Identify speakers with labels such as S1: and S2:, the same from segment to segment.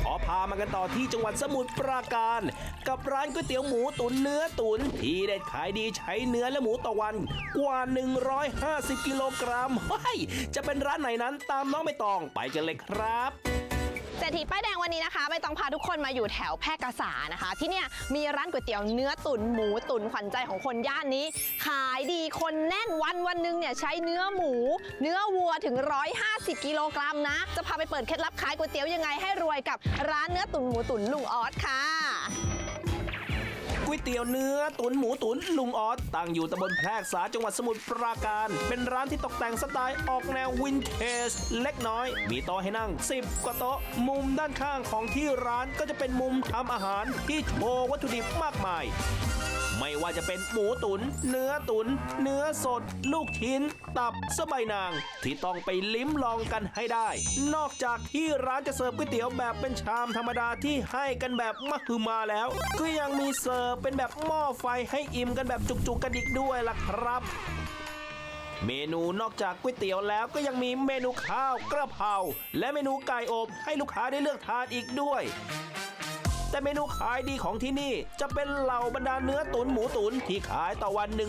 S1: อพามากันต่อที่จังหวัดสมุทรปราการกับร้านก๋วยเตี๋ยวหมูตุ๋นเนื้อตุ๋นที่เด็ดขายดีใช้เนื้อและหมูต่อวันกว่า150กิโลกรัมเฮ้ยจะเป็นร้านไหนนั้นตามน้องใบตองไปกันเลยครับ
S2: เศรษฐีป้ายแดงวันนี้นะคะใบตองพาทุกคนมาอยู่แถวแพร่กษานะคะที่เนี่ยมีร้านก๋วยเตี๋ยวเนื้อตุ๋นหมูตุ๋นขวัญใจของคนย่านนี้ขายดีคนแน่นวันหนึ่งเนี่ยใช้เนื้อหมูเนื้อวัวถึง150กิโลกรัมนะจะพาไปเปิดเคล็ดลับขายก๋วยเตี๋ยวยังไงให้รวยกับร้านเนื้อตุ๋นหมูตุ๋นลุงออสค่ะ
S1: ก๋วยเตี๋ยวเนื้อตุ๋นหมูตุ๋นลุงออสตั้งอยู่ตำบลแพรกษาจังหวัดสมุทรปราการเป็นร้านที่ตกแต่งสไตล์ออกแนววินเทจเล็กน้อยมีโต๊ะให้นั่ง10กว่าโต๊ะมุมด้านข้างของที่ร้านก็จะเป็นมุมทำอาหารที่โชว์วัตถุดิบมากมายไม่ว่าจะเป็นหมูตุ๋นเนื้อตุ๋นเนื้อสดลูกชิ้นตับสะใบนางที่ต้องไปลิ้มลองกันให้ได้นอกจากที่ร้านจะเสิร์ฟก๋วยเตี๋ยวแบบเป็นชามธรรมดาที่ให้กันแบบมหึมาแล้วก็ยังมีเสิร์ฟเป็นแบบหม้อไฟให้อิ่มกันแบบจุกๆกันอีกด้วยล่ะครับเมนูนอกจากก๋วยเตี๋ยวแล้วก็ยังมีเมนูข้าวกระเพราและเมนูไก่อบให้ลูกค้าได้เลือกทานอีกด้วยแต่เมนูขายดีของที่นี่จะเป็นเหล่าบรรดาเนื้อตุ๋นหมูตุ๋นที่ขายต่อวัน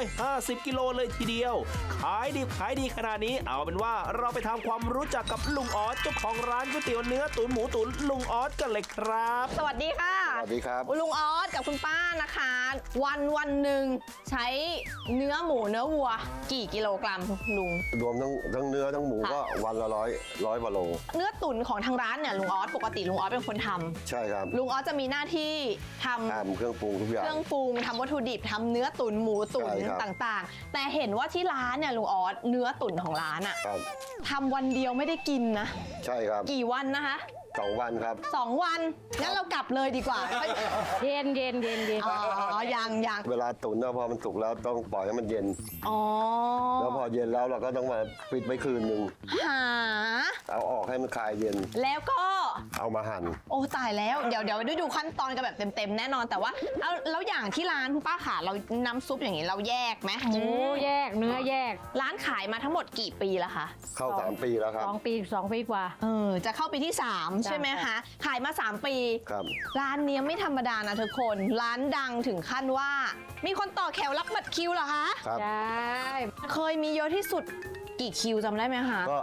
S1: 150กิโลเลยทีเดียวขายดีขนาดนี้เอาเป็นว่าเราไปทำความรู้จักกับลุงออสเจ้าของร้านก๋วยเตี๋ยวเนื้อตุ๋นหมูตุ๋นลุงออสกันเลยครับ
S2: สวัสดีค่ะ
S3: สวัสดีครับ
S2: ลุงออสกับคุณป้านะคะวันหนึ่งใช้เนื้อหมูเนื้อวัวกี่กิโลกรัมลุง
S3: รวมทั้งเนื้อทั้งหมูก็วันละร้อยกว่าโล
S2: เนื้อตุ๋นของทางร้านเนี่ยลุงออสปกติลุงออสเป็นคนทำ
S3: ใช่ครับ
S2: ลุงออสจะมีหน้าที่ทำ
S3: เครื่องปรุงทุกอย่าง
S2: เครื่องปรุงทำวัตถุดิบทำเนื้อตุ๋นหมูตุ๋นต่างๆแต่เห็นว่าที่ร้านเนี่ยลุงออสเนื้อตุ๋นของร้านอะทำวันเดียวไม่ได้กินนะ
S3: ใช่ครับ
S2: กี่วันนะคะ
S3: 2 วันครับ
S2: 2 วันงั้นเรากลับเลยดีกว่า
S4: เย็น
S2: อ๋อยัง
S3: เวลาตุ๋นพอมันสุกแล้วต้องปล่อยให้มันเย็นแล้วพอเย็นแล้วเราก็ต้องมาปิดไว้คืนนึงเอาออกให้มันคลายเย็น
S2: แล้วก็
S3: เอามาหั่น
S2: โอ้ตายแล้วเดี๋ยวได้ดูขั้นตอนกันแบบเต็มแน่นอนแต่ว่าเอาแล้วอย่างที่ร้านคุณป้าขาเราน้ำซุปอย่างนี้เราแยกไหม
S4: หมูแยกเนื้อแยก
S2: ร้านขายมาทั้งหมดกี่ปีแล้วคะ
S3: เข้า3 ปีแล้วครับ
S4: 2 ปีกว่า
S2: จะเข้าปีที่3ใช่ไหมคะขายมา3 ปี
S3: ครับ
S2: ร้านนี้ไม่ธรรมดานะทุกคนร้านดังถึงขั้นว่ามีคนต่อแถวรับบัตรคิวเหรอคะ
S3: ครับ
S4: ใช่
S2: เคยมีเยอะที่สุดกี่คิวจำได้ไหมคะ
S3: ก็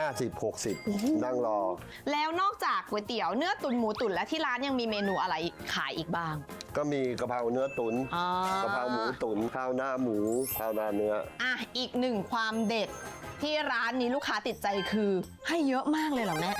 S3: 50-60นั่งรอ
S2: แล้วนอกจากก๋วยเตี๋ยวเนื้อตุ๋นหมูตุ๋นและที่ร้านยังมีเมนูอะไรขายอีกบ้าง
S3: ก็มีกะเพราเนื้อตุ๋นกะเพราหมูตุ๋นข้าวหน้าหมูข้าวหน้าเนื้อ
S2: อีกหนึ่งความเด็ดที่ร้านนี้ลูกค้าติดใจคือให้เยอะมากเลยเหรอแม่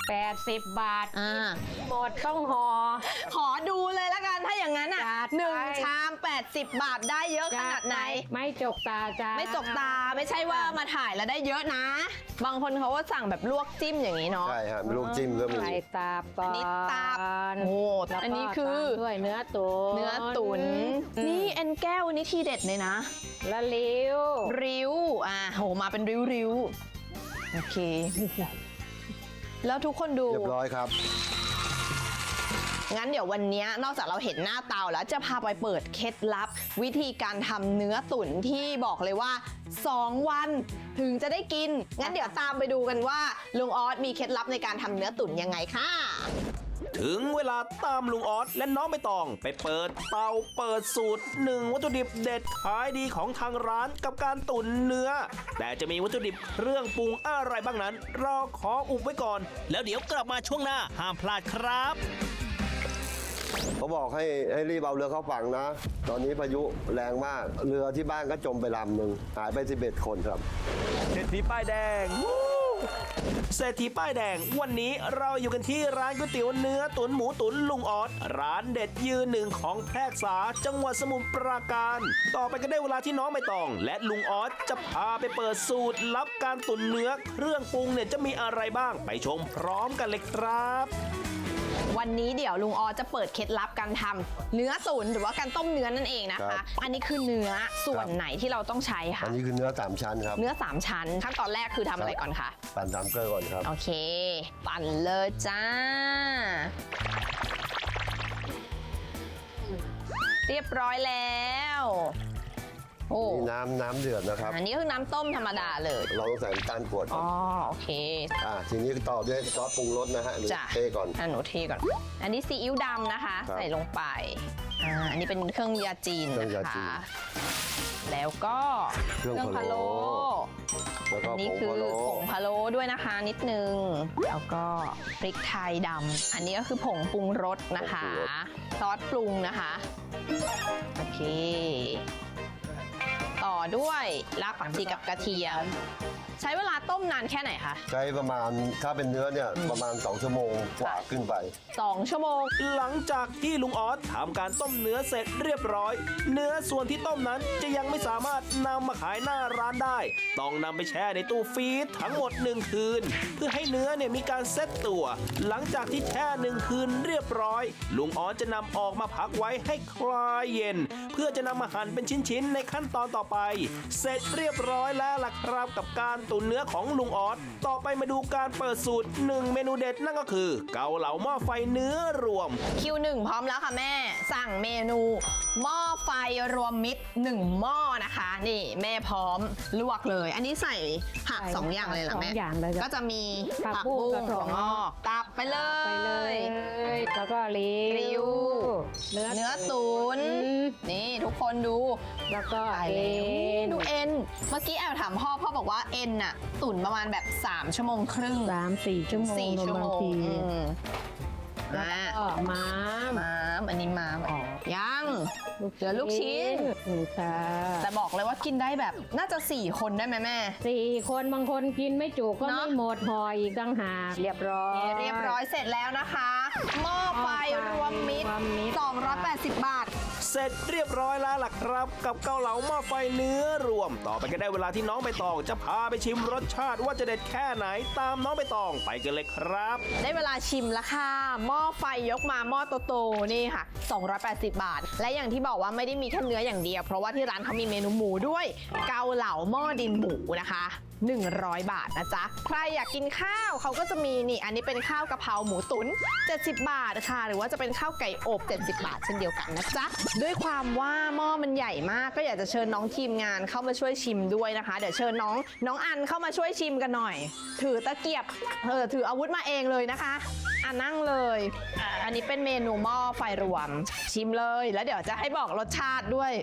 S4: 80 บาทหมดต้อง
S2: ขอดูเลยละกันถ้าอย่างนั้น1 ชาม80 บาทได้เยอะขนาดไหน
S4: ไม่จกตาจ้า
S2: ไม่จกตาไม่ใช่ว่ามาถ่ายแล้วได้เยอะนะบางคนเขาก็สั่งแบบลวกจิ้มอย่างนี้เนาะ
S3: ใช่ครับลวกจิ้มก็มี
S4: ตับก่อน
S2: อันนี้ตับโอ้อันนี้คือ
S4: ด้วยเนื้อตุ๋น
S2: นี่เอ็นแก้วนี่ทีเด็ดเลยนะ
S4: ละริ้ว
S2: โหมาเป็นริ้วโอเคแล้วทุกคนดู
S3: เรียบร้อยครับ
S2: งั้นเดี๋ยววันนี้นอกจากเราเห็นหน้าเตาแล้วจะพาไปเปิดเคล็ดลับวิธีการทำเนื้อตุ๋นที่บอกเลยว่า2 วันถึงจะได้กินงั้นเดี๋ยวตามไปดูกันว่าลุงออสมีเคล็ดลับในการทำเนื้อตุ๋นยังไงค่ะ
S1: ถึงเวลาตามลุงออสและน้องใบตองไปเปิดเตาเปิดสูตร1วัตถุดิบเด็ดขายดีของทางร้านกับการตุ๋นเนื้อแต่จะมีวัตถุดิบเครื่องปรุงอะไรบ้างนั้นเราขออุบไว้ก่อนแล้วเดี๋ยวกลับมาช่วงหน้าห้ามพลาดครับ
S3: เขาบอกให้รีบเอาเรือเข้าฝั่งนะตอนนี้พายุแรงมากเรือที่บ้านก็จมไปลำหนึ่งหายไป11 คนครับ
S1: เศรษฐีป้ายแดงเศรษฐีป้ายแดงวันนี้เราอยู่กันที่ร้านก๋วยเตี๋ยวเนื้อตุ๋นหมูตุ๋นลุงออสร้านเด็ดยืน1ของแพรกษาจังหวัดสมุทรปราการต่อไปก็ได้เวลาที่น้องใบตองและลุงออสจะพาไปเปิดสูตรลับการตุ๋นเนื้อเครื่องปรุงเนี่ยจะมีอะไรบ้างไปชมพร้อมกันเลยครับ
S2: วันนี้เดี๋ยวลุงออจะเปิดเคล็ดลับการทำเนื้อตุ๋นหรือว่าการต้มเนื้อนั่นเองนะคะอันนี้คือเนื้อส่วนไหนที่เราต้องใช้คะ
S3: อันนี้คือเนื้อ3 ชั้นครับ
S2: เนื้อ3 ชั้นขั้นตอนแรกคือทำอะไรก่อนคะ
S3: ปั่น3 เกลือก่อนครับ
S2: โอเคปั่นเลยจ้าเรียบร้อยแล้วโอ้
S3: นี่น้ำเดือดนะครับ
S2: อันนี้ก็คือน้ำต้มธรรมดาเลย
S3: เราต้องใส่น้ำตาลกรวดก่
S2: อ๋
S3: อ
S2: อน โอเค
S3: ทีนี้ต่อด้วยซอสปรุงรสนะฮะ
S2: จ้ะ
S3: เทก่อน
S2: หนูเทก่อน อันนี้ซีอิ๊วดำนะคะ
S3: ครับ
S2: ใส่ลงไปอันนี้เป็นเครื่องยาจีน
S3: เครื่อง
S2: นะ
S3: ยาจี
S2: คะ
S3: น
S2: แล้วก็
S3: เครื่องพะโล้ แล้วก็
S2: อันนี้
S3: ผง
S2: คือ
S3: พะโล้
S2: ผงพะโล้ด้วยนะคะนิดนึง แล้วก็พริกไทยดำอันนี้ก็คือผงปรุงรสนะคะซอสปรุงนะคะโอเค ต่อด้วยรากผักชีกับกระเทียม ใช้เวลาต้มนานแค่ไหนคะ
S3: ใช้ประมาณถ้าเป็นเนื้อเนี่ยประมาณ2 ชั่วโมงกว่าขึ้นไป
S2: 2 ชั่วโมง
S1: หลังจากที่ลุงออสทำการต้มเนื้อเสร็จเรียบร้อย เนื้อส่วนที่ต้มนั้นจะยังไม่สามารถนำมาขายหน้าร้านได้ ต้องนำไปแช่ในตู้ฟรีซทั้งหมด1 คืน เพื่อให้เนื้อเนี่ยมีการเซ็ตตัว หลังจากที่แช่1 คืนเรียบร้อย ลุงออสจะนำออกมาพักไว้ให้คลายเย็น เพื่อจะนำมาหั่นเป็นชิ้นๆในขั้นตอนต่อไป เสร็จเรียบร้อยแล้วล่ะครับกับการตุ๋นเนื้อของลุงออสต่อไปมาดูการเปิดสูตร1 เมนูเด็ดนั่นก็คือ เกาเหลาหม้อไฟเนื้อรวม
S2: คิว1พร้อมแล้วค่ะแม่ สั่งเมนูหม้อไฟรวมมิตร1 หม้อนะคะ นี่แม่พร้อมลวกเลย อันนี้ใส่ผัก
S4: ใส่
S2: 2 อย่างเลยเหรอแม่
S4: 2 อย่างเลย
S2: ก็จะมี
S4: ผั
S2: ผัก
S4: กบุ้
S2: บุ้
S4: ง
S2: ง
S4: กับถั่
S2: ถั่
S4: ว
S2: ว
S4: ง
S2: ง
S4: อ
S2: อก กตับไปเลย
S4: ไปเลย แล้วก็ริ
S2: ริ้ว เนื้อตุ๋นนี่ทุกคนดู
S4: แล้วก็
S2: ตาย
S4: เอ็
S2: แล้ว
S4: น
S2: ดูเอ็น เมื่อกี้แอบถามพ่อบอกว่าเอ็นน่ะตุ๋นประมาณแบบ3 ชั่วโมงครึ่ง
S4: 3-4 ชั่วโมง
S2: 4 ชั่วโม
S4: บาง
S2: ง
S4: ที
S2: อ่า
S4: ก็ม้าม
S2: อันนี้ม้ามยัง เหลือลูกชิ้น
S4: ค่ะ
S2: แต่บอกเลยว่ากินได้แบบน่าจะ4 คนได้ไหมแม่
S4: 4 คนบางคนกินไม่จุก็
S2: เนอะ
S4: ไม่หมดห่ออีกต่างหากเรียบร้อย
S2: เรียบร้อยเสร็จแล้วนะคะหม้อไฟรวมมิตร
S4: รวมมิตร
S2: 280 บาท
S1: เสร็จเรียบร้อยแล้วล่ะครับ กับเกาเหลาหม้อไฟเนื้อรวม ต่อไปก็ได้เวลาที่น้องใบตองจะพาไปชิมรสชาติว่าจะเด็ดแค่ไหนตามน้องใบตองไปกันเลยครับ
S2: ได้เวลาชิมแล้วค่ะหม้อไฟยกมาหม้อโตๆนี่ค่ะ 280 บาท และอย่างที่บอกว่าไม่ได้มีแค่เนื้ออย่างเดียว เพราะว่าที่ร้านเขามีเมนูหมูด้วย เกาเหลาหม้อดินหมูนะคะ100 บาทนะจ๊ะ ใครอยากกินข้าวเขาก็จะมีนี่อันนี้เป็นข้าวกะเพราหมูตุ๋น70 บาทค่ะ หรือว่าจะเป็นข้าวไก่อบ70 บาทเช่นเดียวกันนะจ๊ะ ด้วยความว่าหม้อมันใหญ่มากก็อยากจะเชิญน้องทีมงานเข้ามาช่วยชิมด้วยนะคะ เดี๋ยวเชิญน้องอันเข้ามาช่วยชิมกันหน่อย ถือตะเกียบถืออาวุธมาเองเลยนะคะนั่งเลย อันนี้เป็นเมนูหม้อไฟรวมชิมเลยแล้วเดี๋ยวจะให้บอกรสชาติด้วย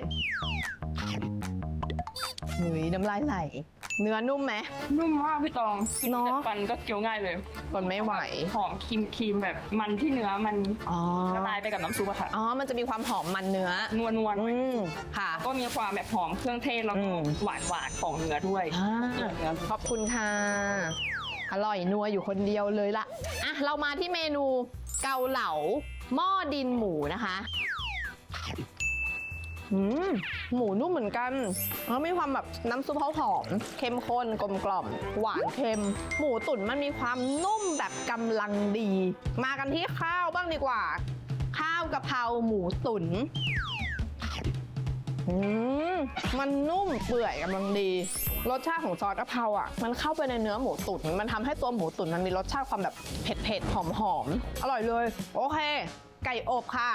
S2: หุยน้ำลายไหล เนื้อนุ่มไหม
S5: นุ่มมากพี่ตองกิน
S2: เนอะ
S5: แต่ฟันก็เคี้ยวง่ายเลย
S2: ทนไม่ไหว
S5: หอมครีมแบบมันที่เนื้อมัน
S2: อ๋อ
S5: ละลายไปกับน้ำซุปอะค่ะ
S2: อ๋อ มันจะมีความหอมมันเนื้อ
S5: นวล
S2: ค่ะ
S5: ก็มีความแบบหอมเครื่องเทศแล้วก็หวานของเนื้อด้วย เนื้อ
S2: ขอบคุณค่ะ อร่อยนัวอยู่คนเดียวเลยล่ะ อ่ะ เรามาที่เมนูเกาเหลาหม้อดินหมูนะคะหมูนุ่มเหมือนกันแล้วมีความแบบน้ำซุปเขาหอมเข้มข้นกลมกล่อมหวานเค็ม หมูตุ๋นมันมีความนุ่มแบบกำลังดี มากันที่ข้าวบ้างดีกว่า ข้าวกะเพราหมูตุ๋นมันนุ่มเปื่อยกำลังดี รสชาติของซอสกะเพราอ่ะมันเข้าไปในเนื้อหมูตุ๋นมันทำให้ตัวหมูตุ๋นมันมีรสชาติความแบบเผ็ดๆหอมๆอร่อยเลย โอเค ไก่อบค่ะ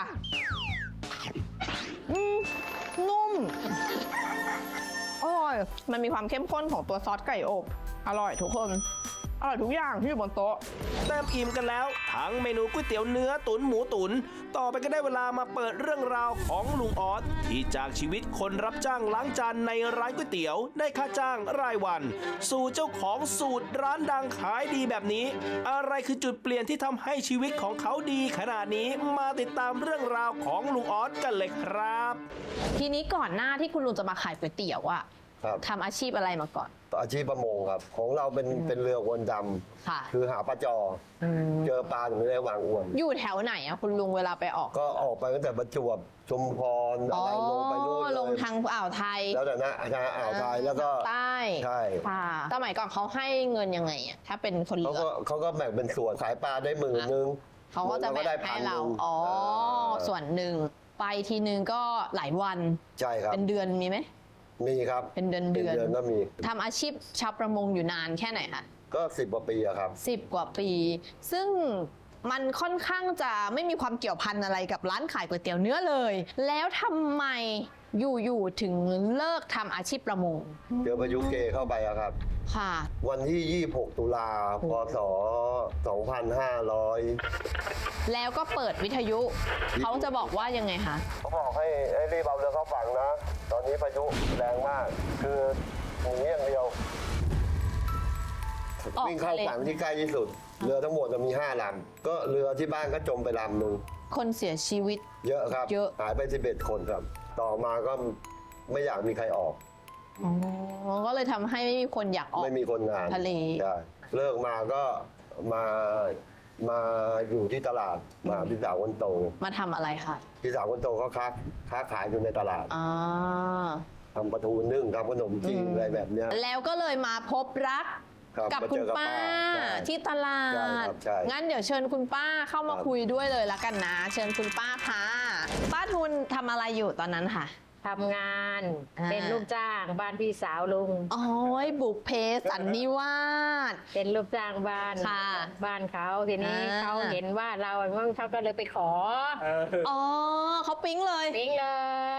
S2: นุ่มอร่อยมันมีความเข้มข้นของตัวซอสไก่อบอร่อยทุกคนอร่อยทุกอย่างที่อยู่บนโต๊ะ
S1: เต็มอิ่มกันแล้วทั้งเมนูก๋วยเตี๋ยวเนื้อตุ๋นหมูตุ๋นต่อไปก็ได้เวลามาเปิดเรื่องราวของลุงออสที่จากชีวิตคนรับจ้างล้างจานในร้านก๋วยเตี๋ยวได้ค่าจ้างรายวัน สู่เจ้าของสูตรร้านดังขายดีแบบนี้ อะไรคือจุดเปลี่ยนที่ทำให้ชีวิตของเขาดีขนาดนี้มาติดตามเรื่องราวของลุงออสกันเลยครับ
S2: ทีนี้ก่อนหน้าที่คุณลุงจะมาขายก๋วยเตี๋ยวอะ
S3: ครับ
S2: ทำอาชีพอะไรมาก่อน
S3: อาชีพประมงครับ ของเราเป็นเรืออวนด
S2: ค่ะ
S3: ำคือหาปลาจออเจอปลาถึงได้วางอวน
S2: อยู่แถวไหนอะคุณลุงเวลาไปออก
S3: ก็ออกไปตั้งแต่ประจวบชุมพรอะไรลงไปนู่น
S2: ลง
S3: เลย
S2: ทางอ่าวไทย
S3: แล้วแต่นะอ่าวไทยแล้วก็
S2: ใต้
S3: ใช่
S2: ค่ะสมัยก่อนเขาให้เงินยังไงอะถ้าเป็นคนเรือ
S3: เขาก็แบ่งเป็นส่วนขายปลาได้10,000
S2: เขาก็จะแบ่ง
S3: ได้
S2: ให้
S3: 1,000
S2: เรา อ๋อ ส่วนหนึ่ง ไปทีนึงก็หลายวัน
S3: ใช่ครับ
S2: เป็นเดือนมีไหม
S3: มีครับ
S2: เป็นเดือน
S3: เป็นเดือนก็มี
S2: ทำอาชีพชาวประมงอยู่นานแค่ไหนคะ
S3: ก็10 กว่าปีอะครับ
S2: 10 กว่าปี ซึ่งมันค่อนข้างจะไม่มีความเกี่ยวพันอะไรกับร้านขายก๋วยเตี๋ยวเนื้อเลย แล้วทำไมอยู่ๆถึงเลิกทำอาชีพประมง
S3: เจอพายุเกเข้าไปอะครับ
S2: ค่ะ
S3: วันที่ 26 ตุลาพศ 2500
S2: แล้วก็เปิดวิทยุ เขาจะบอกว่ายังไงคะ
S3: เขาบอกให้รีบเอาเรือเข้าฝั่งนะ ตอนนี้พายุแรงมาก คือหนีอย่างเดียว
S2: ออก
S3: วิ่งเข้า
S2: ทะเล
S3: ฝั่งที่ใกล้ที่สุด เรือทั้งหมดจะมี5 ลำ ก็เรือที่บ้านก็จมไปลำหนึ่ง
S2: คนเสียชีวิต
S3: เยอะครับ
S2: เยอะ
S3: หายไป 11 คนครับ ต่อมาก็ไม่อยากมีใครออก
S2: อ๋อ ก็เลยทำให้ไม่มีคนอยากออก
S3: ไม่มีคนงาน
S2: ทะเล
S3: ใช่เลิกมาก็มาอยู่ที่ตลาดมาพี่สาวคนโต
S2: มาทำอะไรคะ
S3: พี่สาวคนโตเขาค้าขายอยู่ในตลาด
S2: อ่า
S3: ทำปลาทูนึ่งทำขนมจีนอะไรแบบเนี้ย
S2: แล้วก็เลยมาพบรัก
S3: ครับ
S2: กับ
S3: มา
S2: คุ
S3: เจ
S2: ณ
S3: อกับ
S2: ป้า
S3: ใช่
S2: ที่ตลา
S3: ใช่
S2: ด
S3: ครับใช่
S2: งั้นเดี๋ยวเชิญคุณป้าเข้ามา
S3: ครับ
S2: คุยด้วยเลยละกันนะ เชิญคุณป้าค่ะ ป้าทุนทำอะไรอยู่ตอนนั้นค่ะ
S4: ทำงาน
S2: อ่า
S4: เป็นลูกจ้างบ้านพี่สาวลุง
S2: โอ้ยบุกเพสันนิวาส
S4: เป็นลูกจ้างบ้าน
S2: ค่ะ
S4: บ้านเขาทีนี้
S2: อ่า
S4: เขาเห็นว่าเราเขาก็เลยไปขอ
S2: อ๋อเขาปิ๊งเลย
S4: ปิ๊งเลย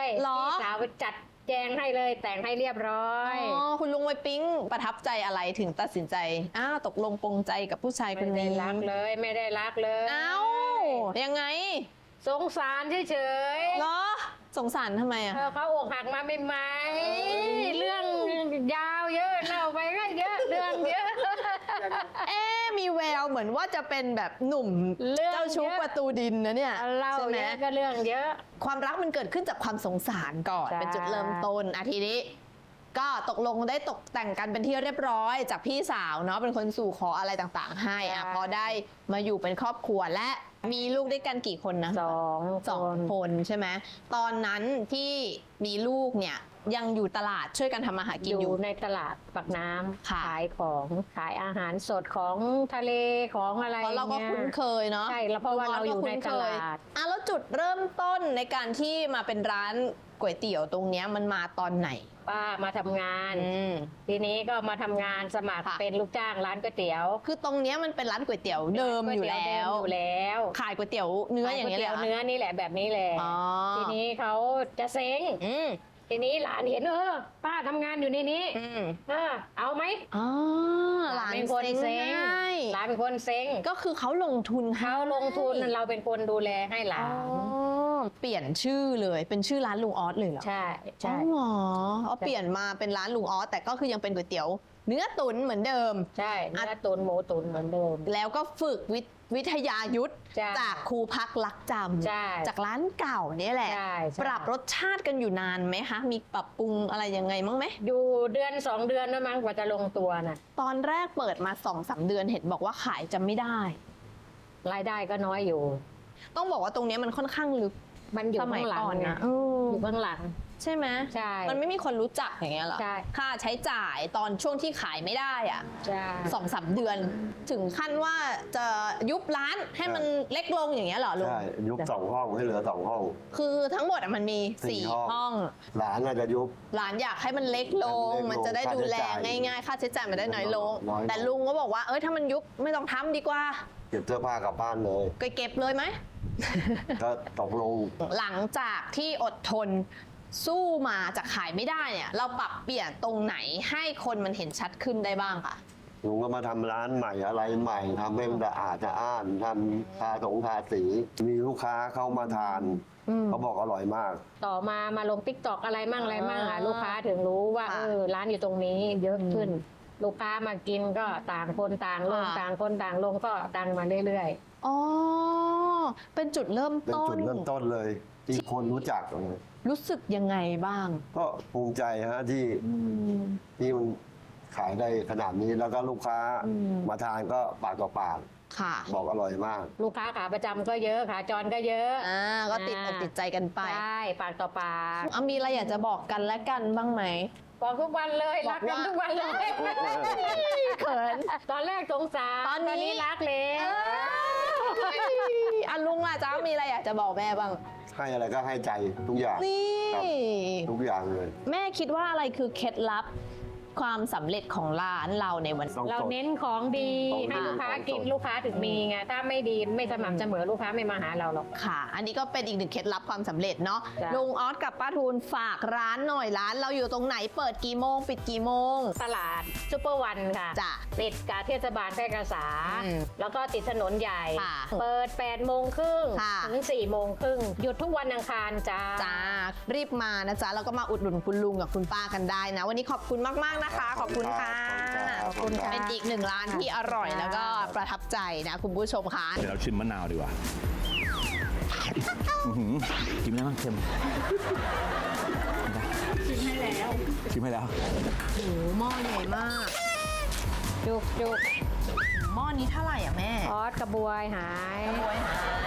S2: เหรอ
S4: พี่สาวไปจัดแจงให้เลยแต่งให้เรียบร้อย
S2: อ๋อคุณลุงไปปิ๊งประทับใจอะไรถึงตัดสินใจตกลงปรงใจกับผู้ชายค
S4: ไม่
S2: น
S4: ได้
S2: นี้
S4: รักเลยไม่ได้รักเลย
S2: เอ้ายังไง
S4: สงสารเฉย
S2: เหรอสงสารทำไมอ่ะ
S4: เขาอกหักมาใหม่ๆเรื่องยาวเยอะเล่าไปก็เยอะเรื่องเยอะ
S2: มีแววเหมือนว่าจะเป็นแบบหนุ่ม
S4: เรื่อง
S2: เจ้าชู้
S4: เยอะ
S2: ประตูดินนะเนี่ย
S4: เล่า
S2: ใช่ไหม
S4: เยอะก็เรื่องเยอะ
S2: ความรักมันเกิดขึ้นจากความสงสารก่อน
S4: ใช่
S2: เป็นจุดเริ่มต้นทีนี้ ก็ตกลงได้ตกแต่งกันเป็นที่เรียบร้อยจากพี่สาวเนาะเป็นคนสู่ขออะไรต่างๆ ให้พอได้มาอยู่เป็นครอบครัวและมีลูกด้วยกันกี่คนนะ
S4: สอง
S2: สองคนใช่ไหมตอนนั้นที่มีลูกเนี่ยยังอยู่ตลาดช่วยกันทำมาหากิน
S4: อ
S2: อยู่
S4: ยู่ในตลาดปากน้ำ
S2: ค่ะ
S4: ขายของขายอาหารสดของทะเลของอะไร
S2: เพราะเราก็
S4: งี้ย
S2: คุ้นเคยเนาะ
S4: ใช่แล้วเพราะว่าเราอยู่ในตลาด
S2: แล้วจุดเริ่มต้นในการที่มาเป็นร้านก๋วยเตี๋ยวตรงเนี้ยมันมาตอนไหน
S4: ป้ามาทำงาน ทีนี้ก็มาทำงานสมัคร
S2: ค่ะ
S4: เป็นลูกจ้างร้านก๋วยเตี๋ยว
S2: คือตรงเนี้ยมันเป็นร้านก๋วยเตี๋ยวเดิมอยู่แล้ว
S4: เดิมอยู่แล้ว
S2: ขายก๋วยเตี๋ยวเนื้ออย่างเงี้ย
S4: ข
S2: เลย
S4: ก๋ว
S2: เหรอ
S4: เนื้อนี่แหละแบบนี้แหละ
S2: อ๋อ
S4: ทีนี้เขาจะเซ้ง
S2: อืม
S4: ทีนี้หลานเห็นป้าทำงานอยู่ในนี้
S2: อืม
S4: เอาไหม
S2: อ๋อหลาน
S4: เป็นคน
S2: เซ็งให้
S4: หลานเป็นคนเซ้ง
S2: ก็คือเขาลงทุนให้
S4: เขาลงทุนเราเป็นคนดูแลให้หลา
S2: อ๋อน เปลี่ยนชื่อเลยเป็นชื่อร้านลุงออสเลยเหรอ
S4: ใช่
S2: อ๋
S4: ใช่
S2: อเหรอเอาเปลี่ยนมาเป็นร้านลุงออสแต่ก็คือยังเป็นก๋วยเตี๋ยว เนื้อตุ๋นเหมือนเดิม
S4: ใช่เนื้อตุนหมูตุนเหมือนเดิม
S2: แล้วก็ฝึกวิทยายุทธ
S4: ใช่
S2: จากครูพักรักจำ
S4: ใช่
S2: จากร้านเก่าเนี่ยแหละ
S4: ใช่ใช่
S2: ปรับรสชาติกันอยู่นานไหมคะ มีปรับปรุงอะไรยังไงมั้งไหม
S4: อยู่เดือน2 เดือนนะมั้งกว่าจะลงตัวน่ะ
S2: ตอนแรกเปิดมา2-3 เดือนเห็นบอกว่าขายจะไม่ได้
S4: รายได้ก็น้อยอยู่
S2: ต้องบอกว่าตรงเนี้ยมันค่อนข้างลึก
S4: มันอยู่
S2: สมั
S4: ข้าย งหลัง
S2: ก่อน
S4: ไง
S2: นะ
S4: อยู่ข้างหลัง
S2: ใช่ไหม
S4: ใช่
S2: มันไม่มีคนรู้จักอย่างเงี้ยเหรอ
S4: ใช่
S2: ค่าใช้จ่ายตอนช่วงที่ขายไม่ได้อะ
S4: ใช่
S2: 2-3 เดือน ถึงขั้นว่าจะยุบร้านให้มันเล็กลงอย่างเงี้ยเหรอลุง
S3: ใช่ยุบ2 ห้องให้เหลือ 2 ห้อง
S2: คือทั้งหมดอะมันมี
S3: สี่
S2: 4 ห้อง
S3: หลานน่าจะยุบ
S2: หลานอยากให้มันเล็กลง
S3: ให้มันเล็กลง
S2: มันจะได้ดูแล
S3: ค่าใช้จ่าย
S2: ง่ายๆ ค่าใช้จ่ายมันได้น้อยลง
S3: น้อยลง
S2: แต่ลุงก็บอกว่า ถ้ามันยุบไม่ต้องทำดีกว่า
S3: เก็บเสื้อผ้ากลับบ้านเลย
S2: ก็เก็บเลยไหม
S3: ก็ตกลง
S2: หลังจากที่อดทนสู้มาจากขายไม่ได้เนี่ย เราปรับเปลี่ยนตรงไหนให้คนมันเห็นชัดขึ้นได้บ้างคะ
S3: ลุงก็มาทำร้านใหม่อะไรใหม่ทำให้มันสะอาดสะอ้านทำทาสี มีลูกค้าเข้ามาทาน เขาบอกอร่อยมาก
S4: ต่อมาลงติ๊กตอกอะไรมั่งลูกค้าถึงรู้ว่า
S2: ค่ะ
S4: ร้านอยู่ตรงนี้เยอะขึ้น ลูกค้ามากินก็ต่างคนต่างลง
S2: ค่ะ
S4: ต่างคนต่างลงก็ดังมาเรื่อย
S2: อ๋อ เป็นจุดเริ่ม
S3: เป็น
S2: ต้
S3: จุ
S2: น
S3: ดเริ่มต้นเลย ที่คนรู้จัก
S2: รู้สึกยังไงบ้าง
S3: ก็ภูมิใจฮะที่มันขายได้ขนาดนี้แล้วก็ลูกค้ามาทานก็ปากต่อปาก
S2: ค่ะ
S3: บอกอร่อยมาก
S4: ๆ ลูกค้าขาประจำก็เยอะขาจรก็เยอะ
S2: ก็ติดอกติดใจกันไป
S4: ใช่ปากต่อปาก
S2: มีอะไรอยากจะบอกกันและกันบ้างไหม
S4: บอกทุกวันเลย
S2: บ
S4: รั
S2: อก
S4: กกัน
S2: ว่า
S4: ทุกวันเลย
S2: เขิน
S4: ตอนแรกสงสาร
S2: ตอนนี้
S4: รักเลย
S2: ลุงล่ะจ้ามีอะไรอยากจะบอกแม่บ้าง
S3: ให้อะไรก็ให้ใจทุกอย่าง
S2: นี่
S3: ครับ ทุกอย่างเลย
S2: แม่คิดว่าอะไรคือเคล็ดลับความสำเร็จของร้านเราในวัน
S3: ต้อง
S4: เรา
S3: สด
S4: เน้นของดี
S3: ของดี
S4: ให้ลูกค้ากิน
S3: ของสด
S4: ลูกค้าถึงมีไงถ้าไม่ดีไม่สม่ำเสมอลูกค้าไม่มาหาเราหรอก
S2: ค่ะ อันนี้ก็เป็นอีกหนึ่งเคล็ดลับความสำเร็จเนาะ
S4: จ้ะ
S2: ลุงออสกับป้าทูลฝากร้านหน่อยร้านเราอยู่ตรงไหนเปิดกี่โมงปิดกี่โมง
S4: ตลาดซุปเปอร์วันค่ะ
S2: จ้ะ
S4: ติดกับเทศบาลแพร่กษา
S2: อืม
S4: แล้วก็ติดถนนใหญ่
S2: ค่ะ
S4: เปิด8โมงครึ่ง
S2: ค่ะ
S4: ถึง4โมงครึ่งหยุดทุกวันอังคารจ้า
S2: จ้ารีบมานะจ๊ะแล้วก็มาอุดหนุนคุณลุงกับคุณป้ากันได้นะ วันนี้ขอบคุณมากๆนะคะ ขอบคุณค่ะ
S3: ขอบคุณครับ
S2: เป็นอีกหนึ่งร้านที่อร่อยแล้วก็ประทับใจนะคุณผู้ชมค่ะ
S6: เดี๋ยวเราชิมมะนาวดีกว่าอื้อหือกินได้บ้างเค็มชิมให้แล้ว
S2: โอ้โหหม้อใหญ่มาก
S4: จุก
S2: หม้อนี้เท่าไหร่อ่ะแม่
S4: ออสกระบวยหาย
S2: กระบวยหาย